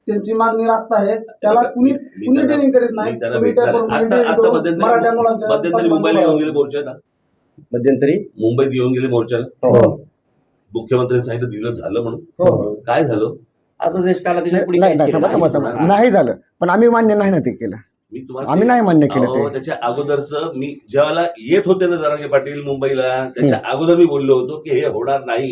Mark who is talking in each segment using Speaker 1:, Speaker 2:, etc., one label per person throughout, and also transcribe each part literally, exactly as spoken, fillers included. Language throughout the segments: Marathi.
Speaker 1: त्यांची मागणी रास्त आहे, त्याला कुणी
Speaker 2: मी
Speaker 1: कुणी
Speaker 2: त्यांना-
Speaker 1: ट्रेनिंग करीत नाही.
Speaker 2: मी त्यांना
Speaker 1: तुम्ही त्या
Speaker 2: भेटणार आहे.
Speaker 1: प्रमाणे
Speaker 2: आता- आता
Speaker 1: करून
Speaker 2: मध्यंतरी-
Speaker 1: मराठा मुलांच्या
Speaker 2: मध्यंतरी मुंबईला येऊन गेले मोर्चाला,
Speaker 3: मध्यंतरी
Speaker 2: मुंबईत येऊन गेले मोर्चाला,
Speaker 3: हो
Speaker 2: मुख्यमंत्र्यांनी सांगितलं दिलं झालं म्हणून.
Speaker 1: हो.
Speaker 2: काय झालं?
Speaker 3: आता देश काला त्याच्या पुढे
Speaker 4: नाही
Speaker 3: काहीच
Speaker 4: नाही
Speaker 3: केलं
Speaker 4: थांबा,
Speaker 3: नाही.
Speaker 4: थांबा, थांबा. नाही झालं, पण आम्ही मान्य नाही ना ते केलं.
Speaker 2: मी तुम्हाला
Speaker 4: आम्ही नाही मान्य केलं
Speaker 2: अहो,
Speaker 4: ते.
Speaker 2: त्याच्या अगोदरच मी ज्यावेळेला येत होते ना जरांगे पाटील मुंबईला, त्याच्या अगोदर मी बोललो होतो की हे होणार नाही,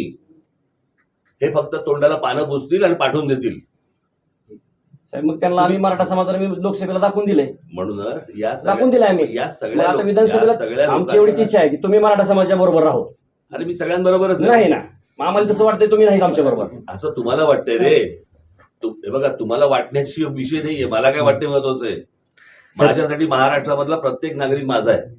Speaker 2: हे फक्त तोंडाला पानं पुसतील आणि पाठवून देतील.
Speaker 3: साहेब मग त्यांना आम्ही मराठा समाजाला मी लोकसभेला दाखवून दिले,
Speaker 2: म्हणूनच या
Speaker 3: दाखवून दिले आम्ही.
Speaker 2: या
Speaker 3: मग
Speaker 2: सगळ्या
Speaker 3: आता
Speaker 2: लोक- या
Speaker 3: विधानसभेला
Speaker 2: सगळ्या
Speaker 3: आमची एवढीच
Speaker 2: लोकांना-
Speaker 3: इच्छा आहे की तुम्ही मराठा समाजाच्या बरोबर राहो.
Speaker 2: अरे मी सगळ्यांबरोबरच आहे.
Speaker 3: नाही ना, मग आम्हाला तसं वाटतंय तुम्ही नाही आमच्या बरोबर.
Speaker 2: असं तुम्हाला वाटतंय रे. तु- हे बघा, तुम्हाला वाटण्याची विषय नाहीये, मला काय वाटते महत्वाचं आहे. माझ्यासाठी महाराष्ट्रामधला प्रत्येक नागरिक माझा आहे,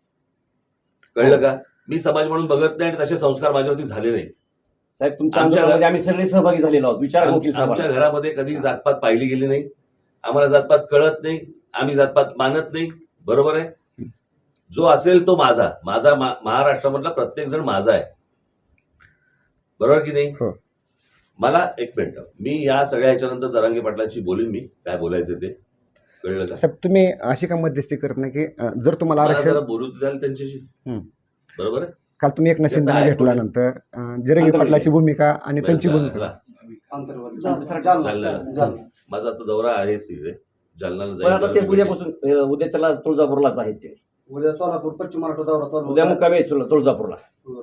Speaker 2: कळलं का? मी समाज म्हणून बघत नाही आणि तसे संस्कार माझ्यावरती झाले नाहीत.
Speaker 3: साहेब तुमच्या
Speaker 2: आमच्या
Speaker 3: आंदोलनामध्ये आम्ही सगळे सहभागी झालेलो आहोत. विचार
Speaker 2: आम-
Speaker 3: वकील
Speaker 2: आमच्या
Speaker 3: साहेब.
Speaker 2: घरामध्ये कधी जातपात पाहिली गेली नाही, आम्हाला जातपात कळत नाही, आम्ही जातपात मानत नाही. बरोबर आहे? जो असेल तो माझा, माझा मा- महाराष्ट्रामधला प्रत्येक जण माझा आहे. बरोबर की नाही?
Speaker 4: हो.
Speaker 2: मला एक मिनिट, मी या सगळ्या ह्याच्यानंतर जरांगे पाटलांशी बोलीन, मी काय बोलायचं ते, कळलं का?
Speaker 4: साहेब तुम्ही अशी का मध्यस्थी करत नाही की अं, जर तुम्हाला
Speaker 2: मला
Speaker 4: आरक्षण
Speaker 2: जरा बोलू द्याल त्यांच्याशी.
Speaker 4: हम्म.
Speaker 2: बरोबर आहे?
Speaker 4: काल तुम्ही एक नशिंदाने
Speaker 2: आहे.
Speaker 4: घेतल्यानंतर अं, जिरंगी पाटलाची भूमिका आणि त्यांची भूमिका
Speaker 2: ह्याला-
Speaker 1: आंतरवर्ग.
Speaker 3: जालना.
Speaker 1: जालना. जालना.
Speaker 2: माझा आता दौरा आहेच तिथे, जालन्याला
Speaker 3: पण आता ते
Speaker 2: जाईल.
Speaker 3: उद्यापासून अं, उद्या चला तुळजापूरलाच आहेत ते.
Speaker 1: उद्या सोलापूर पश्चिम महाराष्ट्र दौरा चालू
Speaker 3: उद्या
Speaker 1: होता.
Speaker 3: मुक्कामी आहेत तुळ- तुळजापूरला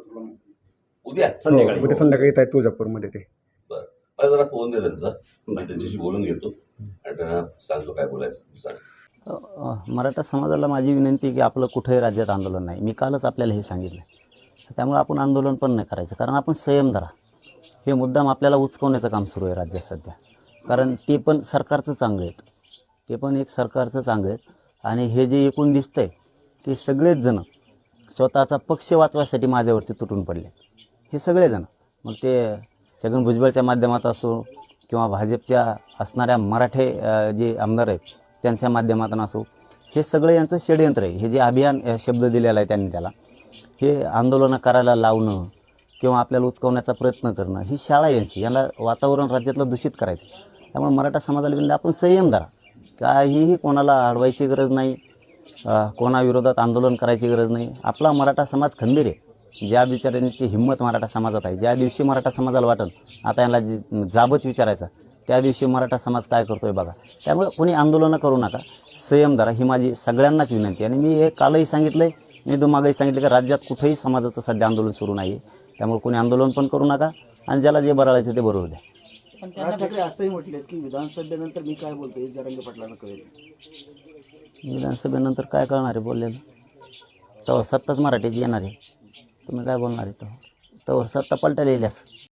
Speaker 2: उद्या
Speaker 4: हो,
Speaker 3: संध्याकाळी.
Speaker 4: उद्या संध्याकाळी येत आहे तुळजापूरमध्ये ते.
Speaker 2: मला जरा फोन दे त्यांचा, मी त्यांच्याशी बोलून घेतो आणि त्यांना सांगतो काय बोलायचं सांग.
Speaker 5: अ, मराठा समाजाला माझी विनंती आहे की आपलं कुठेही राज्यात आंदोलन नाही. मी कालच आपल्याला हे सांगितलं. त्यामुळे आपण आंदोलन पण नाही करायचं, कारण आपण संयम धरा. हे मुद्दाम आपल्याला उचकवण्याचं काम सुरू आहे राज्यात सध्या, कारण ते पण सरकारचं चांगलं आहेत, ते पण एक सरकारचं चांगलं आहेत. आणि हे जे एकूण दिसतंय ते सगळेच जण स्वतःचा पक्ष वाचवायसाठी माझ्यावरती तुटून पडले, हे सगळेजण. मग ते छगन भुजबळच्या माध्यमात असो किंवा भाजपच्या असणाऱ्या मराठे अ, जे आमदार आहेत त्यांच्या माध्यमातून असो, हे सगळं यांचं षडयंत्र आहे. हे जे अभियान अ, शब्द दिलेला आहे त्यांनी त्याला, हे आंदोलनं करायला लावणं किंवा आपल्याला उचकवण्याचा प्रयत्न करणं, ही शाळा यांची. याला वातावरण राज्यातलं दूषित करायचं. त्यामुळे मराठा समाजाला विनंती, आपण संयम धरा. काहीही कोणाला अडवायची गरज नाही, अ, कोणाविरोधात आंदोलन करायची गरज नाही. आपला मराठा समाज खंबीर आहे. ज्या बिचाऱ्यांची हिंमत मराठा समाजात आहे, ज्या दिवशी मराठा समाजाला वाटेल आता यांना जी जाबच विचारायचा, त्या दिवशी मराठा समाज काय करतोय बघा. त्यामुळे कोणी आंदोलनं करू नका, संयम धरा, ही माझी सगळ्यांनाच विनंती आहे. आणि मी हे कालही सांगितलं आहे, मी मागेही सांगितलं की राज्यात कुठेही समाजाचं सध्या आंदोलन सुरू नाही आहे. त्यामुळे कोणी आंदोलन पण करू नका आणि ज्याला जे बरळायचं ते बरोबर द्या.
Speaker 6: पण त्यांना ठाकरे असंही म्हटले की विधानसभेनंतर मी काय बोलतोय जरांगे पाटलांना कळेल.
Speaker 5: विधानसभेनंतर काय कळणार आहे बोललेलं? तेव्हा सत्ताच मराठीची येणार आहे, तुम्ही काय बोलणार आहे? तेव्हा तेव्हा सत्ता पलटायला येईल असं.